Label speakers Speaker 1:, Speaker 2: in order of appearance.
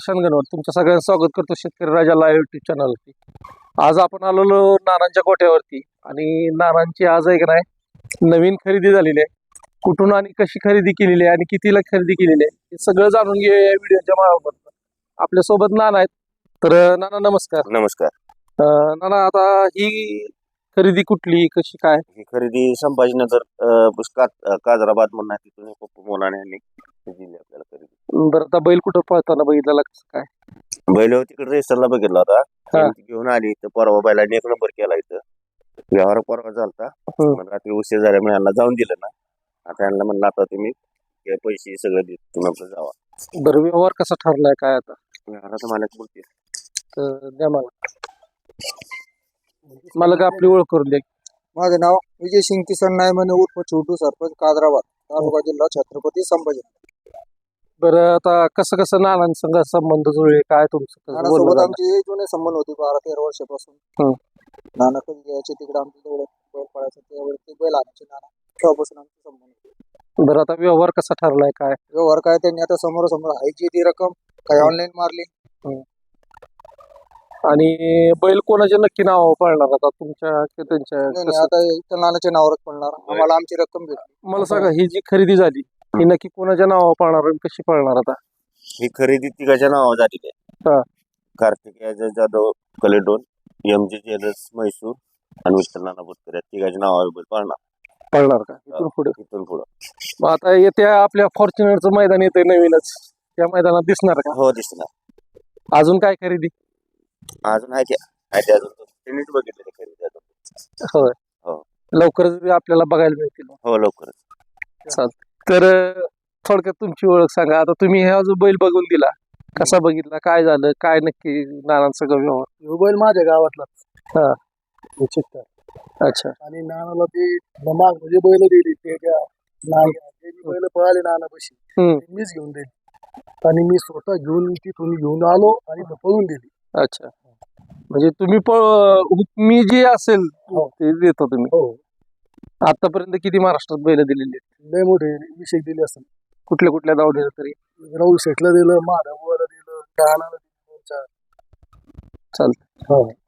Speaker 1: प्रशांत गणवत तुमचं सगळ्यांचं स्वागत करतो शेतकरी राजा लाईव्ह युट्यूब चॅनलवरती. आज आपण आलेलो नानांच्या गोठ्यावरती आणि नानांची आज आहे का नाही नवीन खरेदी झालेली आहे. कुठून आणि कशी खरेदी केलेली आहे आणि कितीला खरेदी केलेली आहे हे सगळं जाणून घेऊया या व्हिडिओच्या माध्यमातून. आपल्या सोबत नाना आहेत. तर नाना नमस्कार.
Speaker 2: नमस्कार.
Speaker 1: नाना आता ही खरेदी कुठली कशी काय?
Speaker 2: ही खरेदी संभाजीनगर काजराबाद म्हणून आहे, तिथून पप्पू मोनाने यांनी दिली आपल्याला खरेदी.
Speaker 1: बरं आता बैल कुठं पळताना बघितलेला कसं काय?
Speaker 2: बैल तिकडे रेसरला बघितला होता,
Speaker 1: हा.
Speaker 2: ती घेऊन आली तर परवा बैलाने 1 नंबर केला इथं. व्यवहार परवा झालता, मग रात्री उशीर झाल्यामुळे यांना जाऊन दिलं ना. आता यांना म्हणलं आता तुम्ही हे पैसे सगळं देत तुम्ही आपलं जावा.
Speaker 1: बरं व्यवहार कसा ठरलाय काय आता?
Speaker 2: व्यवहाराचं मालक बोलते.
Speaker 1: तर द्या मला का आपली ओळख करून द्या.
Speaker 3: माझं नाव विजय सिंग किसन नायमने उर्फ छोटू, सरपंच कादराबाद, तालुका जिल्हा छत्रपती संभाजी.
Speaker 1: बरं आता कसं कसं नानांसंग संबंध जुळले काय तुमचं कसं बोलणं
Speaker 3: नानासोबत
Speaker 1: झालं?
Speaker 3: आमचे जुने संबंध होते 12-13 वर्षापासून. नाना कधी यायचे तिकडे आमच्या जवळ बैल पळायचं, त्यावेळी ते बैल आणायचे नाना, तेव्हापासून आमचे संबंध होते.
Speaker 1: बरं आता व्यवहार कसा ठरलाय काय?
Speaker 3: व्यवहार काय त्यांनी आता समोर हायची ती रक्कम काही ऑनलाईन मारली.
Speaker 1: आणि बैल कोणाच्या नक्की नावावर पळणार आता तुमच्या की त्यांच्या?
Speaker 3: नाही,
Speaker 1: कसं?
Speaker 3: आता इथं नानाच्या नावावरच पडणार, आम्हाला आमची रक्कम भेटली.
Speaker 1: मला सांगा ही जी खरेदी झाली ही नक्की कोणाच्या नावावर पळणार आणि कशी पळणार आता?
Speaker 2: ही खरेदी तिघाच्या नावावर झालेली
Speaker 1: हा.
Speaker 2: आहे. कार्तिक जाधव कलेडोन, MG ज्वेलर्स म्हैसूर आणि विठ्ठल नाना बोतकर या तिघाच्या नावावर बैल
Speaker 1: पळणार का इथून पुढे?
Speaker 2: इथून पुढं
Speaker 1: मग आता येत्या आपल्या फॉर्च्युनरचं मैदान येतंय नवीनच, त्या मैदानात दिसणार का?
Speaker 2: हो दिसणार.
Speaker 1: अजून काय खरेदी?
Speaker 2: अजून आहे त्या अजून त्यांनीच बघितले खरेदी अजून.
Speaker 1: होय
Speaker 2: हो.
Speaker 1: लवकरच आपल्याला बघायला मिळतील.
Speaker 2: हो लवकरच.
Speaker 1: तर थोडक्यात तुमची ओळख सांगा. आता तुम्ही हा जो बैल बघून दिला कसा बघितला, काय झालं, काय नक्की नानांचा व्यवहार?
Speaker 3: ह्यो बैल माझ्या गावातला.
Speaker 1: हा.
Speaker 3: अच्छा. आणि नानाला ती माग म्हणजे बैल दिली त्याच्या बैल पळाले नानापाशी, मीच घेऊन दिली आणि मी स्वतः घेऊन तिथून घेऊन आलो आणि पळून दिली.
Speaker 1: अच्छा, म्हणजे तुम्ही मी जे असेल ते देतो तुम्ही.
Speaker 3: हो.
Speaker 1: आतापर्यंत किती महाराष्ट्रात बैल दिलेली आहेत?
Speaker 3: लय मोठे विषय दिले असतात.
Speaker 1: कुठल्या कुठल्या दावडीला तरी?
Speaker 3: राहुल शेठला दिलं, माधवला दिलं, कानाला दिलं.
Speaker 1: चालतं.
Speaker 3: हो.